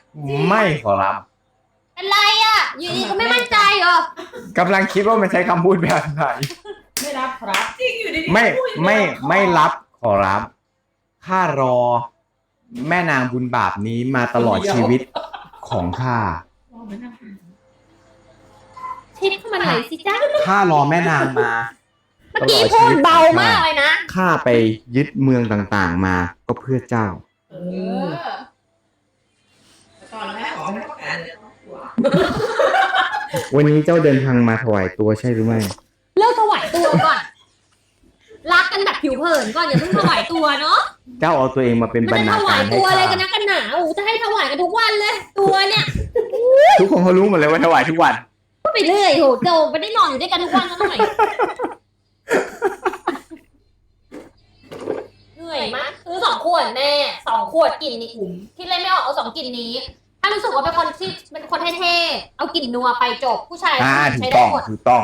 ไม่ขอรับอะไรอ่ะอยู่ดีก็ไม่มั่นใจเหรอกำลังคิดว่ามันใช้คำพูดแบบไหนไม่รับครับจริงอยู่ดีๆไม่พูดอยู่ไม่รับขอรับข้ารอ แม่นางบุญบาปนี้มาตลอดชีวิตของข้าชิดเข้ามาหน่อยสิจ้าข้ารอแม่นางมาเมื่อกี้พูดเบามากเลยนะข้าไปยึดเมืองต่างๆมาก็เพื่อเจ้าเออแต่ตอนแรกขอให้ประกาศเลยหัววันนี้เจ้าเดินทางมาถวายตัวใช่หรือไม่เลิกถวายตัวก่อน รักกันแบบผิวเผินก่อนอย่าเพิ่งถวายตัวเนาะเจ้าเอาตัวเองมาเป็นมันบรรจะณาถวาาย รให้ตัวอะไรข้ากันนะกันหนาโอ้จะให้ถวายกันทุกวันเลย ตัวเนี่ยทุกคนเขารู้หมดเลยว่าถวายทุกวันพูดไปเรื่อยโหโจไม่ได้นอนอยู่ด้วยกันทุกวันซะหน่อยเหนื่อยมากซื้อ2 ขวดแม่2 ขวดกลิ่นนี้คิดเลยไม่ออกเอา2 กลิ่นนี้ ถ้ารู้สึกว่าเป็นคนที่เป็นคนเท่ๆเอากลิ่นนัวไปจบผู้ชายถูใช้กได้ต้องหมดถูกต้อง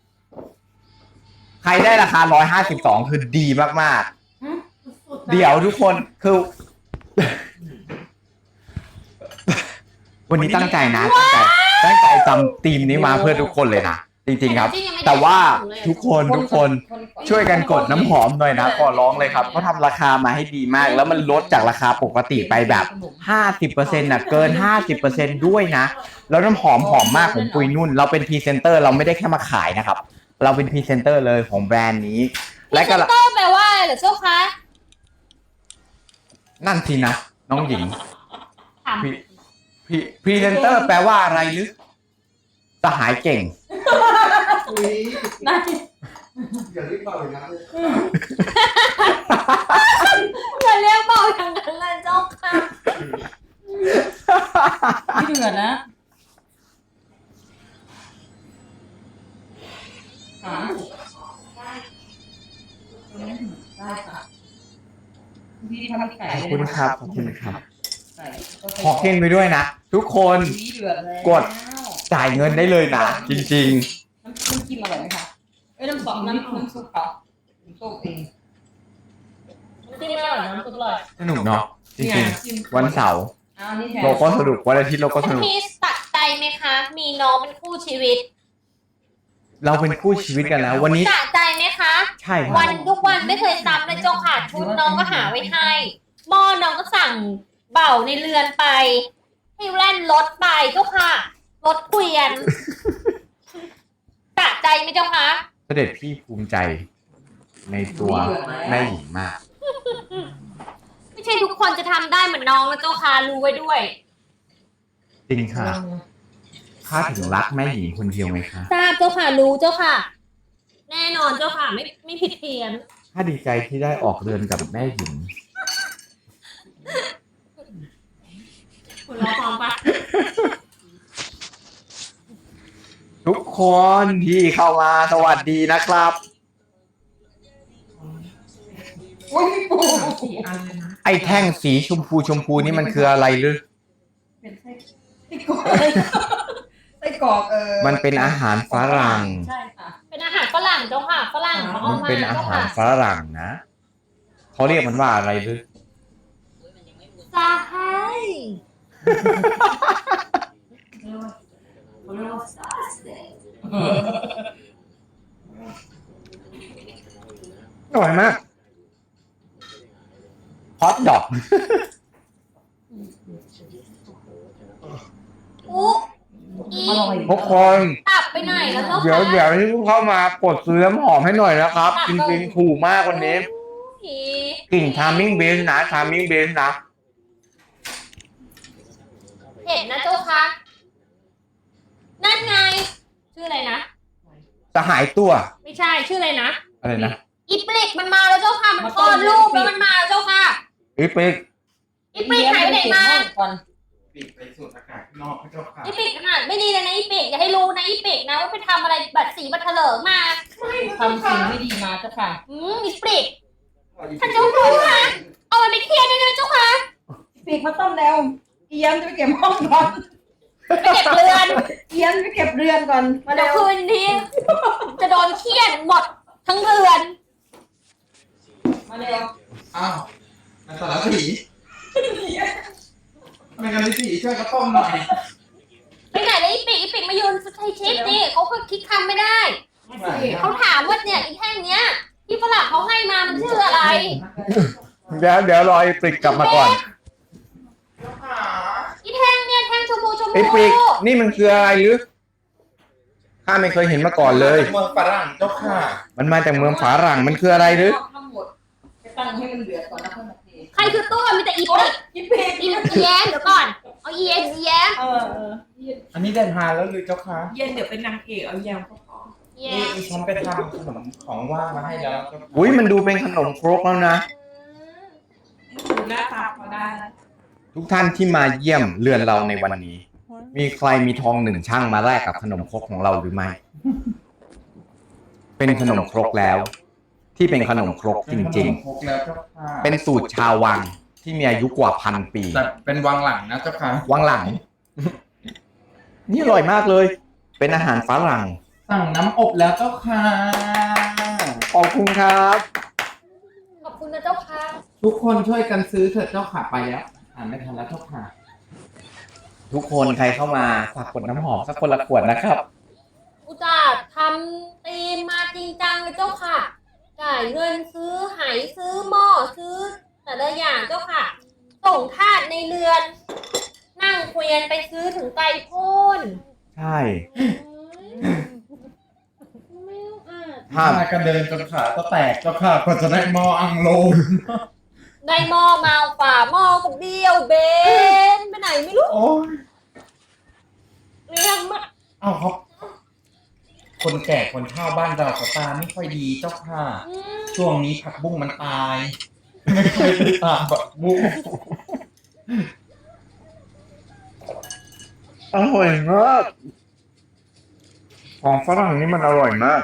ใครได้ราคา152คือดีมากๆ เดี๋ยวทุกคนคือ วันนี้ตั้งใจนะตั้งใจจำธีมนี้มาเพื่อทุกคนเลยนะจริงๆครับ แต่ว่าทุกคนช่วยกันกดน้ำหอมหน่อยนะขอร้องเลยครับเขาทำราคามาให้ดีมาก แล้วมันลดจากราคาปกติไปแบบ50%น่ะเกิน50%ด้วยนะแล้วน้ำหอมหอมมากของปุยนุ่น เราเป็นพรีเซนเตอร์เราไม่ได้แค่มาขายนะครับ เราเป็นพรีเซนเตอร์เลยของแบรนด์นี้และและก็ก็เตอร์แปลว่าอะไรเหรอเจ้าคะนั่นสินะน้องหญิงถามพรีเซนเตอร์แปลว่าอะไรหรือสหายเก่งน่าจะอย่ารีบเป่าเลยนะอย่าเรียกเบาอย่างนั้นเลยเจ้าค่ะไม่เดือดนะได้ค่ะพี่ทำไก่ขอบคุณครับขอบคุณครับไก่ขอเก่งไปด้วยนะ ทุกคนเดือดแล้วกด จ่ายเงินได้เลยนะ จริงน้ำจิ้มอร่อยไหมคะเอ้ยน้ำซอสน้ำซุปเขาน้ำซุปเองจริงไม่อร่อยน้ำซุปอร่อยๆ สนุกเนาะจริงๆ วันเสาร์อ้าวนี่แทนเราก็สนุกวันอาทิตย์เราก็สนุกพี่ตัดใจไหมคะ มีน้องเป็นคู่ชีวิตเราเป็นคู่ชีวิตกันแล้ว วันนี้ตัดใจไหมคะใช่ครับวันทุกวันไม่เคยซ้ำเลยเจ้าค่ะชุดน้องก็หาไว้ให้หม้อน้องก็สั่งเบ่าในเรือนไปให้แล่นรถไปเจ้าค่ะรถเกวียนตัดใจไหมเจ้าคะเสด็จพี่ภูมิใจในตัวแม่หญิงมากไม่ใช่ทุกคนจะทำได้เหมือนน้องนะเจ้าค่ะรู้ไว้ด้วยจริงค่ะข้าถึงรักแม่หญิงคนเดียวไหมคะทราบเจ้าค่ะรู้เจ้าค่ะ แน่นอนเจ้าค่ะไม่ผิดเพี้ยนข้าดีใจที่ได้ออกเรือนกับแม่หญิงคุณรอฟังปะทุกคนที่เข้ามาสวัสดีนะครับโอ้ยพี่ปู 4 อันเลยนะไอ้แท่งสีชมพูนี่มันคืออะไรหรือเป็นไส้กรอกไส้กรอกมันเป็นอาหารฝรั่งใช่ค่ะเป็นอาหารฝรั่งเจ้าค่ะฝรั่งเขาเอามันมาเป็นอาเจ้าหารค่ะฝรั่งนะ เขาเรียกมันว่าอะไรหรือสาไฮเขาเรียกว่าอร่อยมากฮอตดอกอุ๊อีอร่อยทุกคนตับไปไหนแล้วเจ้าเดี๋ยวค่ะเดี๋ยวที่เพิ่งเข้ามากดซื้อน้ำหอมให้หน่อยนะครับ จริงๆถูกมากวันนี้อีกลิ่นชาร์มิ่งเบสนะชาร์มิ่งเบสนะเห็นนะเจ้าค่ะนั่นไง ชื่ออะไรนะสหายตัวไม่ใช่ชื่ออะไรนะอะไรนะอีปลิกมันมาแล้วเจ้าค่ะ มันคลอดลูกแล้วมันมาแล้วเจ้าค่ะอีปิกอีปลิกหายไปไหนมาก่อนปิดไปสูดอากาศข้างนอกพระเจ้าค่ะอีปลิกขนาดไม่ดีเลยนะอีปลิกอย่าให้รู้นะอีปลิกนะว่าไปทำอะไรบัตรสีบัตรเถลิงมาทำสิ่งไม่ดีมาเจ้าค่ะอีปลิกท่านเจ้าค่ะเอามันไปเครียดด้วยนะเจ้าค่ะปีกมาต้มแล้วเอียมจะไปเก็บห้องก่อนไปเก็บเรือนเอียมจะไปเก็บเรือนก่อนมาเดี๋เร็ยววคืนนี้จะโดนเครียดหมดทั้งเรือนมาเร็วอ้าวมันสารสีไม่งั้นพี่ช่วยกระต้มหน่อยไปไหนเลยอีปิกมายืนใช้ชิดดิเขาก็คิดคำไม่ได้ เขาถามว่าเนี่ยอีแท่งเนี้ยที่ฝรั่งเขาให้มามันชื่ออะไรเดี๋ยวรอไอ้ปริกกลับมาก่อนอีแท่งเนี่ยแท่งชมพูไอ้ปริกนี่มันคืออะไรหรือข้าไม่เคยเห็นมาก่อนเลยเมืองฝรั่งเจ้าค่ะมันมาจากเมืองฝารั่งมันคืออะไรหรือทั้งหมดไปตั้งให้มันเดือดก่อนนะค่อยมาเทใครคือตัวมีแต่อีปิกกินเผ็ดอีแย้มเดี๋ยวก่อนเอาอีแย้มอันนี้ได้ทานแล้วหรือเจ้าค่ะเย็นเดี๋ยวเป็นนางเอกเอายำก็พอแย้มฉันไปทำขนมของว่างมาให้แล้วเจ้าค่ะอุ้ยมันดูเป็นขนมครกแล้วนะดูหน้าตาพอได้ทุกท่านที่มาเยี่ยมเรือนเราในวันนี้ มีใครมีทอง1ช่างมาแลกกับขนมครกของเราหรือไม่ เป็นขนมครกแล้ว ที่เป็นขนมครกจริงครกแล้วเจ้าค่ะๆ เป็นสูตรชาววังที่มีอายุกว่า1,000 ปีแต่เป็นวังหลังนะเจ้าค่ะวังหลัง นี่อร่อยมากเลย เป็นอาหารฝรั่งสั่งน้ำอบแล้วเจ้าค่ะขอบคุณครับขอบคุณนะเจ้าค่ะทุกคนช่วยกันซื้อเถิดเจ้าค่ะไปแล้วอ่านไม่ทันแล้วเจ้าค่ะทุกคนใครเข้ามาฝากกดน้ำหอมสักคนละขวดนะครับอุตส่าห์ทำตีมมาจริงจังเลยเจ้าค่ะ จ่ายเงินซื้อไหซื้อหม้อซื้อแต่ละอย่างเจ้าค่ะ ส่งทาสในเรือน นั่งเกวียนไปซื้อถึงไกลโพ้นใช่ไม่ต้องอ่านห้ามกันเดินจนขาก็แตกเจ้าค่ะกว่าจะได้หม้ออังโลได้หม้อมาฝาหม้อก็เบี้ยวเบนไปไหนไม่รู้โอ้ยเรื่องมากเอาครับ คนแก่คนเฒ่าบ้านเราก็ตาไม่ค่อยดีเจ้าค่ะ ช่วงนี้ผักบุ้งมันตาย ไม่ค่อยได้ตามผักบุ้งอร่อยมาก ของฝรั่งนี่มันอร่อยมาก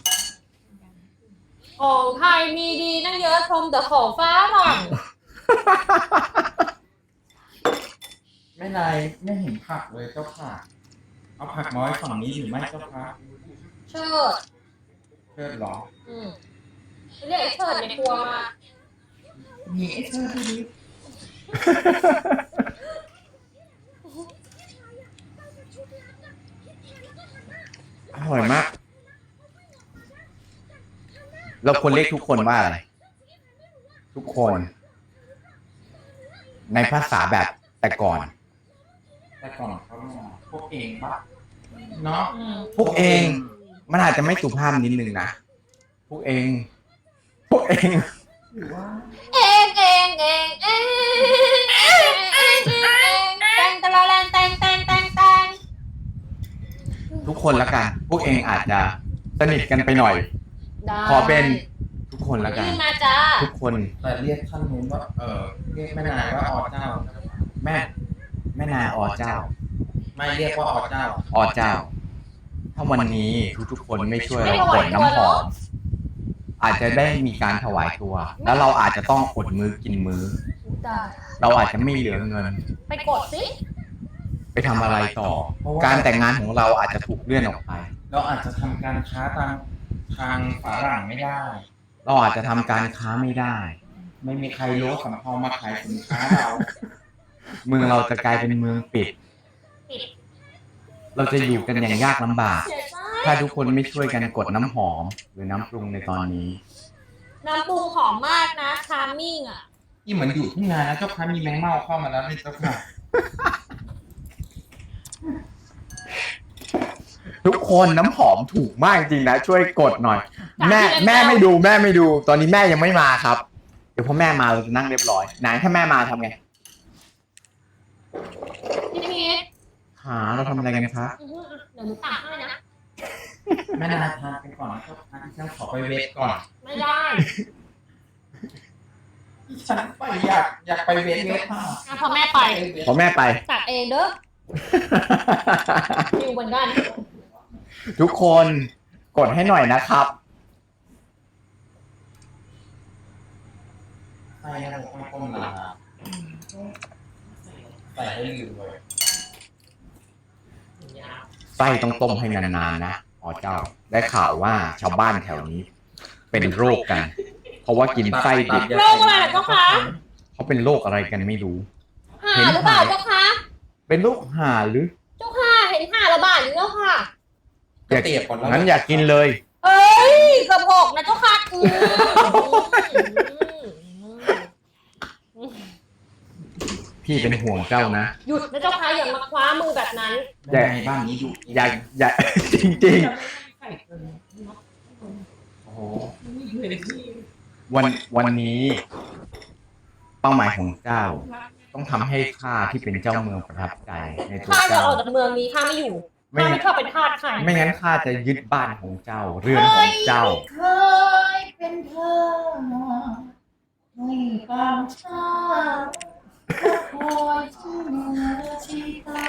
ของไทยมีดีนั่งเยอะชมแต่ของฟ้าหลังไม่นายไม่เห็นผักเลยเจ้าค่ะ เอาผักน้อยฝั่งนี้หรือไม่เจ้าค่ะเชิดเชิดหรอเรียกไอ้เชิดในครัวมามีไอ้เชิดที่นี่อร่อยมาก เราควรเรียกทุกคนว่าอะไร ทุกคน ในภาษาแบบแต่ก่อนแต่ก่อนเขาพวกเองปะเนาะพวกเอง มันอาจจะไม่สุภาพนิดนึงนะ พวกเอง พวกเองหรือว่าเองแตงตะละแลนแตงทุกคนละกัน พวกเองอาจจะสนิทกันไปหน่อย ขอเป็นทุกคนละกันนี่มาจ้าทุกคนแต่เรียกท่านนู้นว่าเรียกแม่นายว่าอเจ้าแม่นาอเจ้าไม่เรียกว่าอเจ้าอเจ้า ถ้าวันนี้ทุกๆคนไม่ช่วยเรากดน้ำหอม อาจจะได้มีการถวายตัว แล้วเราอาจจะต้องอดมื้อกินมื้อ เราอาจจะไม่เหลือเงินไปกดสิไปทำอะไรต่อ การแต่งงานของเราอาจจะถูกเลื่อนออกไปเราอาจจะทำการค้าทางฝรั่งไม่ได้เราอาจจะทำการค้าไม่ได้ไม่มีใครรู้สำเภามาขายสินค้าเราเมืองเราจะกลายเป็นเมืองปิด เราจะอยู่กันอย่างยากลำบากเสียใจถ้าทุกคนไม่ช่วยกันกดน้ำหอม หรือน้ำปรุงในตอนนี้น้ำปรุงหอมมากนะชาร์มมิ่งอ่ะนี่เหมือนอยู่ที่งานนะเจ้าค่ะมีแมงเม่าเข้ามาแล้วนี่เจ้าค่ะทุกคนน้ำหอมถูกมากจริงนะ ช่วยกดหน่อย แม่ไม่ดู ตอนนี้แม่ยังไม่มาครับ เดี๋ยวพอแม่มาเราจะนั่งเรียบร้อยไหนถ้าแม่มาทำไงพี่พีทหาเราทำอะไรกันคะเดี๋ยวหนูตักให้นะแม่นายทานกันก่อนนะเจ้าค่ะที่ฉันขอไปเวทก่อนไม่ได้ที่ฉันไปอยากไปเวทค่ะอ่ะพอแม่ไปพอแม่ไปตักเองเด้ออยู่เหมือนกันทุกคนกดให้หน่อยนะครับใส่ให้ผมก้มๆนะใส่ให้ลืมเลยไส้ต้องต้มให้นานๆนะอ๋อเจ้า ได้ข่าวว่าชาวบ้านแถวนี้ เป็นโรคกัน เพราะว่ากินไส้ดิบโรคอะไรเหรอเจ้าคะเขาเป็นโรคอะไรกันไม่รู้หาหรือเปล่าเจ้าคะเป็นลูกห่าหรือเจ้าค่ะเห็นห่าระบาดอยู่แล้วค่ะก็เตียบก่อนแล้วงั้นอยากกินเลยเอ้ยกระบอกนะเจ้าค่ะพี่เป็นห่วงเจ้านะหยุดนะเจ้าค่ะอย่ามาคว้ามือแบบนั้นยังไงบ้านนี้ดูอย่า จริงไข่เกินโอ้โหๆวันนี้ เป้าหมายของเจ้า ต้องทำให้ข้าที่เป็นเจ้าเมืองประทับใจในตัวข้าจะเจ้าออกจากเมืองนี้ข้าไม่อยู่ไม่ข้าไม่ชอบเป็นทาสใครไม่งั้นข้าจะยึดบ้านของเจ้า เรือนของเจ้าเคยเป็นเธอให้บางชาติคอยชื่อชีตา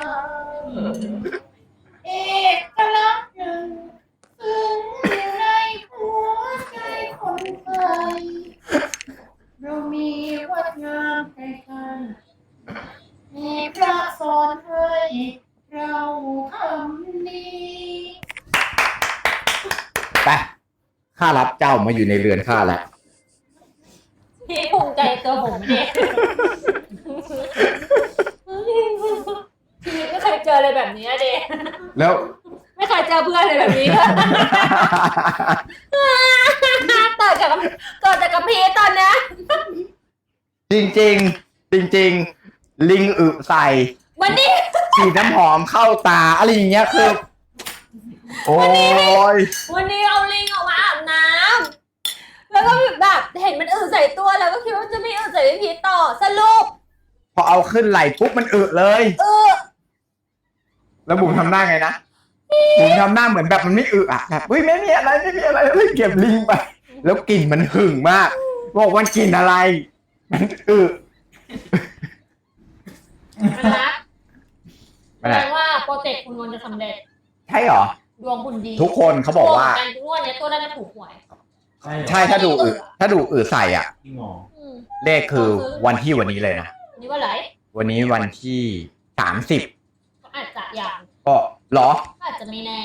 เอกลักษณ์หนึ่งซึ่งอยู่ในหัวใจคนไทยเรามีวัดงามใกล้ๆมีพระสอนให้เราทำดีไป ข้ารับเจ้ามาอยู่ในเรือนข้าแล้วพี่ภูมิใจตัวผมเด็กชีวิตไม่เคยเจออะไรแบบนี้เด็กแล้วไม่เคยเจอเพื่อนเลยแบบนี้เกิดจากกับพี่ตอนนี้จริงๆ จริงๆ ลิงอึใส่วันนี้ฉีดน้ำหอมเข้าตาอะไรอย่างเงี้ยคือ โอ้ยวันนี้เอาลิงออกมาอาบน้ำแล้วก็แบบเห็นมันอึใส่ตัวแล้วก็คิดว่าจะไม่อึใส่พี่พีชต่อสรุปพอเอาขึ้นไหล่ปุ๊บมันอึเลย แล้วบุ๋มทำหน้าไงนะบุ๋มทำหน้าเหมือนแบบมันไม่อึอ่ะแบบเฮ้ยไม่มีอะไรเลยเก็บลิงไป แล้วกลิ่นมันหึงมาก บอกว่ากลิ่นอะไร มันอึมันรักแสดงว่าโปรเจกต์คุณนนท์จะสำเร็จใช่เหรอดวงคุณดีทุกคนเขาบอกว่าการทุกวันนี้ตัวน่าจะถูกหวยใช่ถ้าดูอึใส่อ่ะพี่หมออืมเลขคือวันนี้เลยนะนี่ว่าไรวันนี้วันที่30 ก็อาจจะอย่างก็เหรอก็อาจจะไม่แน่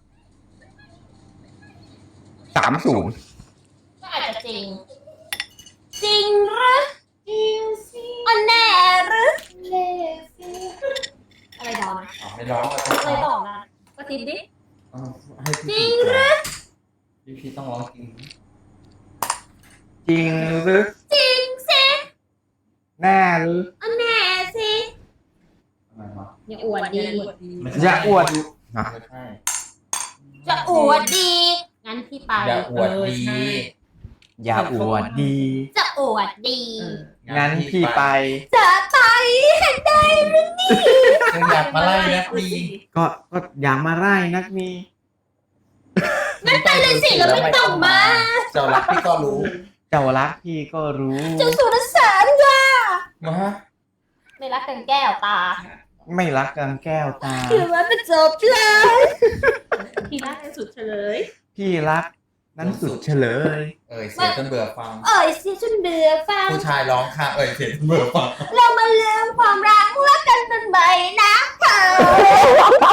30 ก็อาจจะจริง จริงหรือจริงสิอันแน่หรือเล่สิอะไรต่อนะไม่ร้องอะไรต่อนะกระติบดิให้จริงหรือพี่ต้องร้องจริงจริงหรือจริงสิแน่หรืออันแน่สิอะไรวะอย่าอวดดีอย่าอวดไม่ใช่จะอวดดีงั้นพี่ไปอย่าอวดดีอย่าอวดดีจะอวดดีงั้นพี่ไปจะไปให้ได้หรือนี่อยากมาไล่นักดีก็อยากมาไล่นักมีงั้นไปเลยสิแล้วไม่ต้องมาเจ้ารักพี่ก็รู้เจ้ารักพี่ก็รู้เจ้าสุรสารค่ะมาไม่รักกันแก้วตาไม่รักกันแก้วตาคือว่าเป็นจบเลยพี่รักสุดเฉลยพี่รักนั้นสุดเฉลยเสียงจนเบื่อฟังเอ่ยเสียจนเบื่อฟังผู้ชายร้องค่ะเสียงจนเบื่อฟังเรามาลืมความรักกันเป็นใบนะเธอ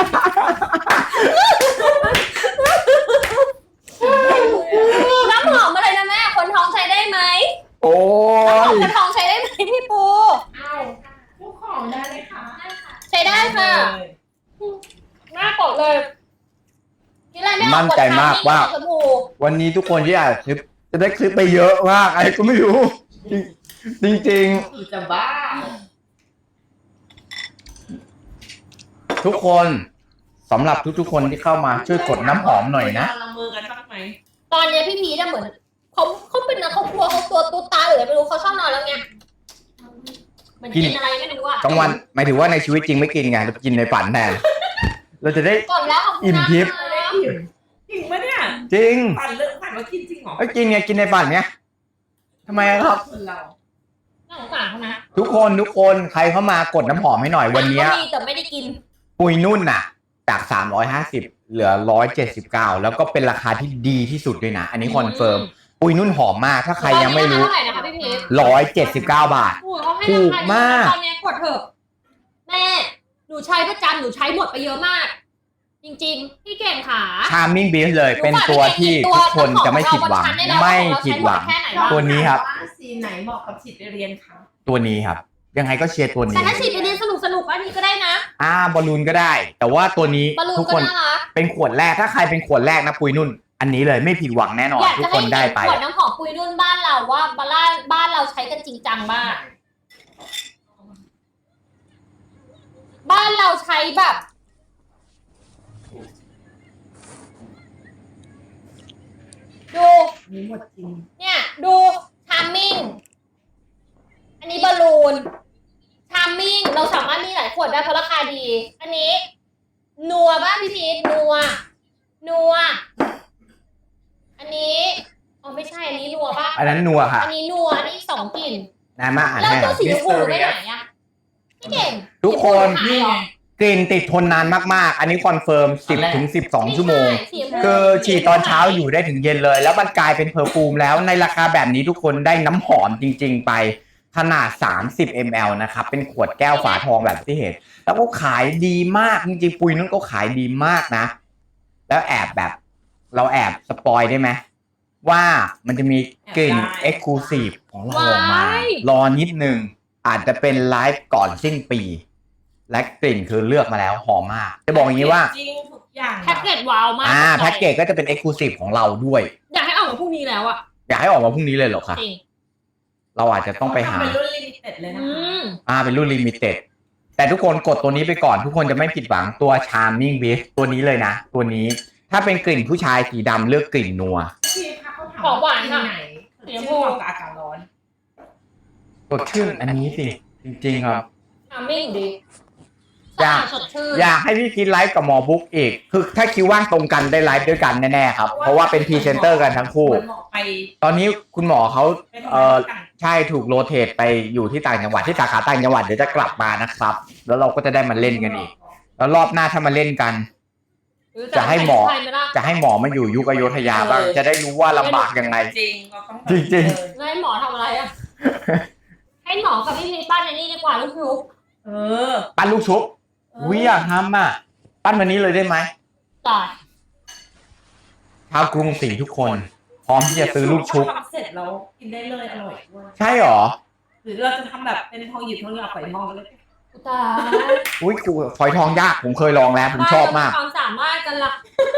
น้ำหอมอะไรนะแม่คนท้องใช้ได้ไหมโอ้น้ำหอมยคนท้องใช้ได้ไหมพี่ปูเอาทุกของได้เลยค่ะใช้ได้ค่ะหน้ากดเลยทีแรกไม่ออกมั่นใจมากว่าชมพูวันนี้ทุกคนที่อ่านคลิปจะได้คลิปไปเยอะมากอะไรก็ไม่รู้ จริงคือจะบ้าๆ ทุกคนสำหรับทุกๆคนที่เข้ามาช่วยกดน้ำหอมหน่อยนะลงมือกันบ้างไหมตอนเนี้ยพี่พีจะเหมือนเขาเป็นนักเขากลัวเขาตัวตาหรืออะไรไม่รู้เขาชอบนอนแล้วไงมันกินอะไรไม่รู้อ่ะกลางวันหมายถึงว่าในชีวิตจริงไม่กินไงเรากินในฝันแทนเราจะได้ก่อนแล้วของคุณอิ่มทิพย์นะจริงปะเนี่ยจริงปั่นเรื่องปั่นว่ากินจริงเหรอก็กินไงกินในฝันไงทำไมครับคนเราน่าสงสารเขานะทุกคนใครเข้ามากดน้ำหอมให้หน่อยวันเนี้ยก็มีแต่ไม่ได้กินปุยนุ่นน่ะ จาก350เหลือ179แล้วก็เป็นราคาที่ดีที่สุดด้วยนะ อันนี้คอนเฟิร์มปุยนุ่นหอมมากถ้าใครยังไม่รู้ตอนนี้ราคาเท่าไหร่นะคะพี่พีช 179 บาทโอ้ยเขาให้ถูราก คามากตอนนี้กดเถอะแม่หนูใช้ประจำหนูใช้หมดไปเยอะมาก จริงๆพี่เก่งขาชาร์มมิ่งบีชเลยเป็นตัวที่ทุกคนจะไม่ผิดหวังไม่ผิดหวัง ตัวนี้ครับสีไหนเหมาะกับฉีดไปเรียนคะตัวนี้ครับยังไงก็เชียร์ตัวแต่นี้ถ้าฉีดไปเรียนสนุกอันนี้ก็ได้นะบอลลูนก็ได้ แต่ว่าตัวนี้บอลลูนทุกก็คนน่ารักเป็นขวดแรกถ้าใครเป็นขวดแรกนะปุยนุ่น อันนี้เลยไม่ผิดหวังแน่นอนอยากทุจะกคให้นเห็ได้นไปขวดน้ำหอมปุยนุ่นบ้านเราว่าบ้านเราใช้กันจริงจังมากบ้านเราใช้แบบดูนี่หมดจริงเนี่ยดูชาร์มมิ่งอันนี้บอลลูนชาร์มมิ่งเราสามารถมีหลายขวดได้เพราะราคาดี อันนี้ นัวบ้างพี่พีทนัวอันนี้อ๋อไม่ใช่อันนี้นัวป่ะอันนั้นนัวค่ะอันนี้นัวอันนี้สองกลิ่นนายมาอ่านแล้วให้หตัน่วอยสีชมพูไปไหนอะพี่เก่งทุกคนสีชมพูหายเหรอกลิ่นติดทนนานมากๆ อันนี้คอนเฟิร์ม 10 ถึง 12 ชั่วโมงไใช่สีชมพูคือฉีดตอนเช้าอยู่ได้ถึงเย็นเลย แล้วมันกลายเป็นเพอร์ฟูมแล้วในราคาแบบนี้ทุกคนได้น้ำหอมจริง ๆ ไปขนาด 30 ml นะครับ เป็นขวดแก้วฝาทองแบบที่เห็น แล้วก็ขายดีมาก จริงๆ ปุยนุ่นก็ขายดีมากนะ แล้วแอบแบบ เราแอบสปอยได้ไหมว่ามันจะมีกลิ่น Exclusive ของเราออกมา รอนิดนึง อาจจะเป็นไลฟ์ก่อนสิ้นปี และกลิ่นคือเลือกมาแล้วหอมมาก จะบอกอย่างนี้ว่าจริงทุกอย่างแพ็กเกจว้าวมากแพ็กเกจก็จะเป็น Exclusive ของเราด้วยอยากให้ออกมาพรุ่งนี้แล้วอะอยากให้ออกมาพรุ่งนี้เลยเหรอคะจริงเราอาจจะต้องไปหาเป็นรุ่นลิมิเต็ดเลยนะอืคะมเป็นรุ่นลิมิเต็ด แต่ทุกคนกดตัวนี้ไปก่อน ทุกคนจะไม่ผิดหวังตัว Charming Beast ตัวนี้เลยนะ ตัวนี้ ถ้าเป็นกลิ่นผู้ชายสีดำเลือกกลิ่นนัวพี่คะเขาถามของหวานที่ค่ะไหนชื่อเหมาะกับอากาศร้อนสดชื่นอันนี้สิ จริงๆครับชาร์มมิ่งดีอยากสดชื่นอยากให้พี่พีทไลฟ์กับหมอบุ๊กอีก คือถ้าคิวว่างตรงกันได้ไลฟ์ด้วยกันแน่ๆครับ เพราะว่าเป็นพรีเซนเตอร์กันทั้งคู่เหมาะไปตอนนี้คุณหมอเขาไปทำงานด้วยกันใช่ถูกโรเตทไปอยู่ที่ต่างจังหวัดที่สาขาต่างจังหวัดเดี๋ยวจะกลับมานะครับ แล้วเราก็จะได้มาเล่นกันอีก แล้วรอบหน้าถ้ามาเล่นกัน จะให้หมอใครไล่ะจะให้หมอมาอยู่ยุคอโยธยาบ้าง จะได้รู้ว่าลำบากยังไงจริงเราต้องจริงแล้วให้หมอทำอะไรอะให้หมอกับพี่พีชปั้นในนี่ดีกว่าลูกชุบเออปั้นลูกชุบวิอยากทำอ่ะ ปั้นวันนี้เลยได้ไหมต่อชาวกรุงศรีทุกคน พร้อมที่จะซื้อลูกชุบทำเสร็จแล้วกินได้เลยอร่อยด้วยใช่หรอหรือเราจะทำแบบเป็นทองหยิบทองหยอดฝอยทองกันเลยอุตายอุ้ยกูฝอยทองยากผมเคยลองแล้วผมชอบมากความสามารถกันละ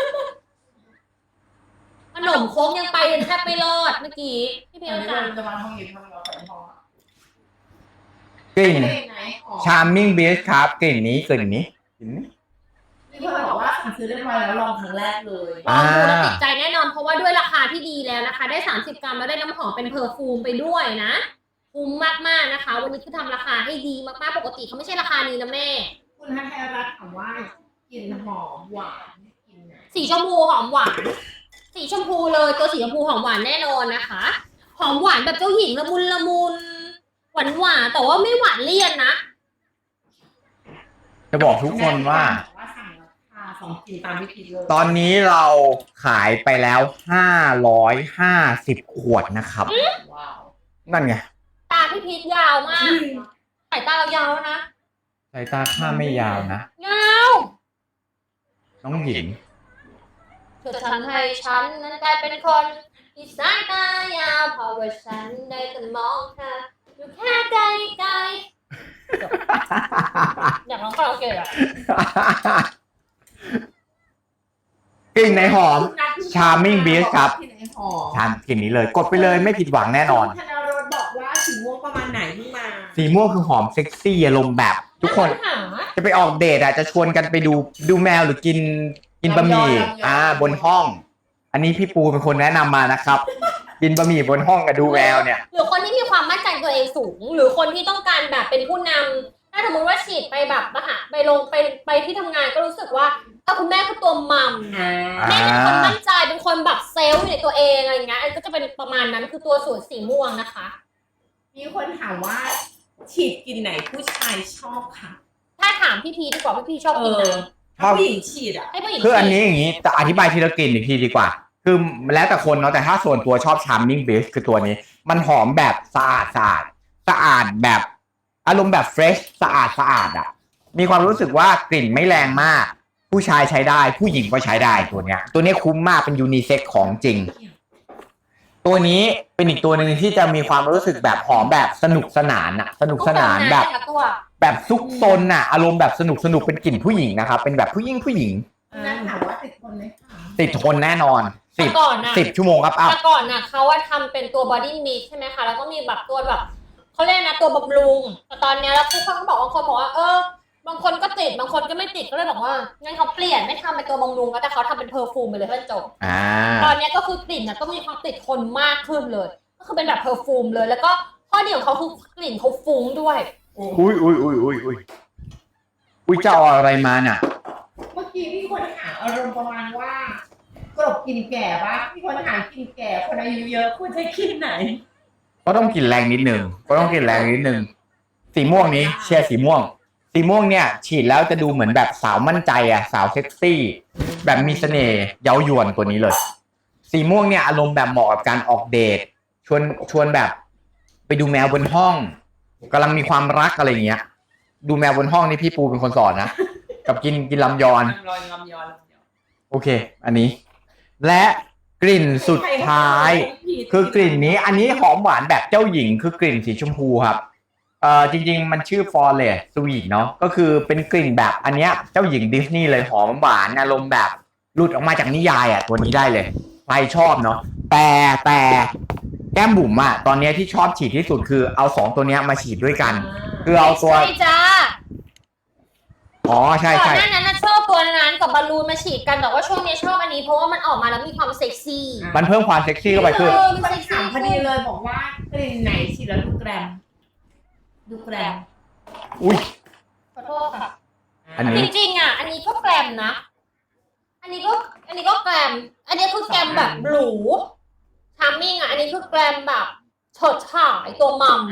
ขนมโค้งยังไปแทบไม่รอดเมื่อกี้พี่พีชเดี๋ยวสั่งเราจะมาทองหยิบทองหยอดฝอยทองอะกลิ่นไหนอ๋อ Charming Beast ครับกลิ่นนี้กลิ่นนี้ที่เขาบอกว่าสั่งซื้อเรียบร้อยแล้วลองครั้งแรกเลยลองดูแล้วติดใจแน่นอนเพราะว่าด้วยราคาที่ดีแล้วนะคะ ได้30 กรัมแล้วได้น้ำหอมเป็นเพอร์ฟูมไปด้วยนะคุ้มมากๆนะคะ วันนี้คือทำราคาให้ดีมากๆปกติเขาไม่ใช่ราคานี้นะแม่คุณฮัทไทยรัฐถามว่ากลิ่นหอมหวานกลิ่นไหนสีชมพูหอมหวาน สีชมพูเลยตัวสีชมพูหอมหวานแน่นอนนะคะ หอมหวานแบบเจ้าหญิงละมุนละมุนหวานหวานแต่ว่าไม่หวานเลี่ยนนะจะบอกทุกคนว่าว่าสั่งราคา2 กลิ่นตามวิธีเลยตอนนี้เราขายไปแล้ว550 ขวดนะครับว้าวนั่นไงตาพี่พีชยาวมากสายตาเรายาวแล้วนะสายตาข้าไม่ยาวนะยาวน้องหญิงเธอทำให้ฉันนั้นกลายเป็นคนที่สายตายาวเพราะว่าฉันได้แต่มองเธออยู่แค่ไกลๆอยากร้องคาราโอเกะอะกลิ่นไหนหอม Charming Beast ครับกลิ่นไหนหอมทานกลิ่นนี้เลย กดไปเลยไม่ผิดหวังแน่นอนคุณธนารสบอกว่าสีม่วงประมาณไหนที่มาสีม่วงคือหอมเซ็กซี่อารมณ์แบบ ทุกคนหาจะไปออกเดทอ่ะจะชวนกันไปดูแมวหรือกินบะหมี่บนห้อง อันนี้พี่ปูเป็นคนแนะนำมานะครับ กินบะหมี่บนห้องกับดูแมวเนี่ยหรือคนที่มีความมั่นใจตัวเองสูง หรือคนที่ต้องการแบบเป็นผู้นำถ้าสมมติว่าฉีดไปแบบไปที่ทำงานก็รู้สึกว่าคุณแม่คือตัวมัมแม่เป็นคนมั่นใจเป็นคนแบบเซลล์อยู่ในตัวเองอะไรอย่างเงี้ยก็จะเป็นประมาณนั้นคือตัวสูตรสีม่วงนะคะมีคนถามว่าฉีดกลิ่นไหนผู้ชายชอบค่ะถ้าถามพี่พีดีกว่าพี่พีชอบกินไหนถ้าผู้หญิงฉีดอ่ะให้ผู้หญิงคืออันนี้อย่างนี้จะอธิบายทีละกลิ่นอีกทีดีกว่า คือแล้วแต่คนเนาะแต่ถ้าส่วนตัวชอบ Charming Beast คือตัวนี้ มันหอมแบบสะอาดแบบอารมณ์แบบเฟรชสะอาดอ่ะ มีความรู้สึกว่ากลิ่นไม่แรงมาก ผู้ชายใช้ได้ผู้หญิงก็ใช้ได้ตัวเนี้ยคุ้มมากเป็นยูนิเซ็กของจริงตัวนี้เป็นอีกตัวหนึ่งที่จะมีความรู้สึกแบบหอมแบบสนุกสนานอะสนุกสนานแบบตัวแบบซุกซนอะอารมณ์แบบสนุกเป็นกลิ่นผู้หญิงนะครับเป็นแบบผู้หญิงนั่นถามว่าติดคนไหมคะติดทนแน่นอนแต่ก่อนน่ะ 10 ชั่วโมงครับอัพแต่ก่อนน่ะเขาว่าทำเป็นตัวบอดี้มิสใช่ไหมคะแล้วก็มีแบบตัวแบบเขาเรียกนะตัวบำรุงแต่ตอนเนี้ยแล้วทุกคนก็บอกบางคนบอกว่าบางคนก็ติดบางคนก็ไม่ติดก็เลยบอกว่างั้นเขาเปลี่ยนไม่ทำเป็นตัวบำรุงแล้วแต่เขาทำเป็นเพอร์ฟูมไปเลยเพื่อนจบ ตอนเนี้ยก็คือกลิ่นน่ะก็มีความติดทนมากขึ้นเลย ก็คือเป็นแบบเพอร์ฟูมเลย แล้วก็ข้อดีของเขาคือกลิ่นเขาฟุ้งด้วยอุ้ยจะเอาอะไรมาน่ะเมื่อกี้มีคนถามอารมณ์ประมาณว่ากลบกินแก่ปะมีคนถามกินแก่คนอายุเยอะควรจะกินไหนก็ต้องกินแรงนิดนึงสีม่วงนี้เชียร์สีม่วงเนี่ยฉีดแล้วจะดูเหมือนแบบสาวมั่นใจอะสาวเซ็กซี่แบบมีเสน่ห์เย้ายวนตัวนี้เลย สีม่วงเนี่ยอารมณ์แบบเหมาะกับการออกเดทชวนแบบไปดูแมวบนห้องกำลังมีความรักอะไรอย่างเงี้ย ดูแมวบนห้องนี่พี่ปูเป็นคนสอนนะ กับกินลำยอนลำยอนโอเค อันนี้ และกลิ่นสุดท้าย คือกลิ่นนี้อันนี้หอมหวานแบบเจ้าหญิงคือกลิ่นสีชมพูครับจริงๆมันชื่อ Forest Sweet เนาะก็คือเป็นกลิ่นแบบอันเนี้ยเจ้าหญิงดิสนีย์เลยหอมหวานอารมณ์แบบหลุดออกมาจากนิยายอ่ะตัวนี้ได้เลยใครชอบเนาะแต่แก้มบุ๋มอ่ะตอนเนี้ยที่ชอบฉีดที่สุดคือเอา2ตัวเนี้ยมาฉีดด้วยกัน คือเอาตัวใช่จ้าอ๋อใช่ก่อนหน้านั้นนะชอบตัวนั้นกับบอลลูนมาฉีดกันแต่ว่าช่วงนี้ชอบอันนี้เพราะว่ามันออกมาแล้วมีความเซ็กซี่มันเพิ่มความเซ็กซี่เข้าไปคือมันคนเซ็กถาซี่มพอดีเลยบอกว่ากลิ่นไหนฉีดแล้วดูแกรม ดูแกรมอุ้ยขอโทษค่ะอันจนี้ริงๆอ่ะ อันนี้ก็แกรมนะ อันนี้ก็แกรม อันนี้คือแกรมแบบหรูทามมิ่งอ่ะ อันนี้คือแกรมแบบเฉิดฉายตัวมัม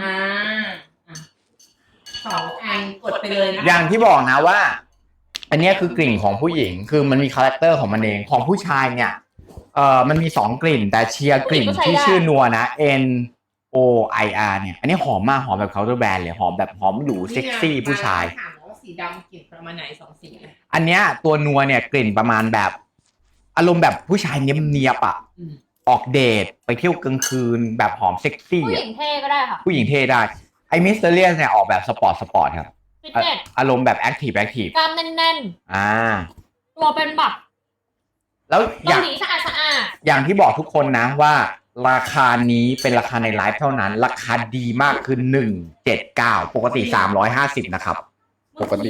2 อันกดไปเลยนะอย่างที่บอกนะว่า อันเนี้ยคือกลิ่นของผู้หญิงคือมันมีคาแรคเตอร์ของมันเองของผู้ชายเนี่ยมันมี2กลิ่นแต่เชียร์กลิ่นที่ชื่อนัวนะ NOIR เนี่ยอันนี้หอมมากหอมแบบเคาน์เตอร์แบรนด์เลยหอมแบบหอมหรูเซ็กซี่ผู้ชายถามว่าสีดำกลิ่นประมาณไหน2 สีอันเนี้ยตัวนัวเนี่ยกลิ่นประมาณแบบอารมณ์แบบผู้ชายเนียบๆอ่ะออกเดทไปเที่ยวกลางคืนแบบหอมเซ็กซี่ผู้หญิงเท่ก็ได้ค่ะผู้หญิงเท่ได้ไอ้มิสเตอร์เลียนเนี่ยออกแบบสปอร์ตครับฟิตเนสอารมณ์แบบแอคทีฟกล้ามแน่น ตัวเป็นแบบแล้วอเกาย่างหลีสะอาดอย่างที่บอกทุกคนนะว่าราคานี้เป็นราคาในไลฟ์เท่านั้น ราคาดีมากคือ179ปกติ350นะครับๆปกติ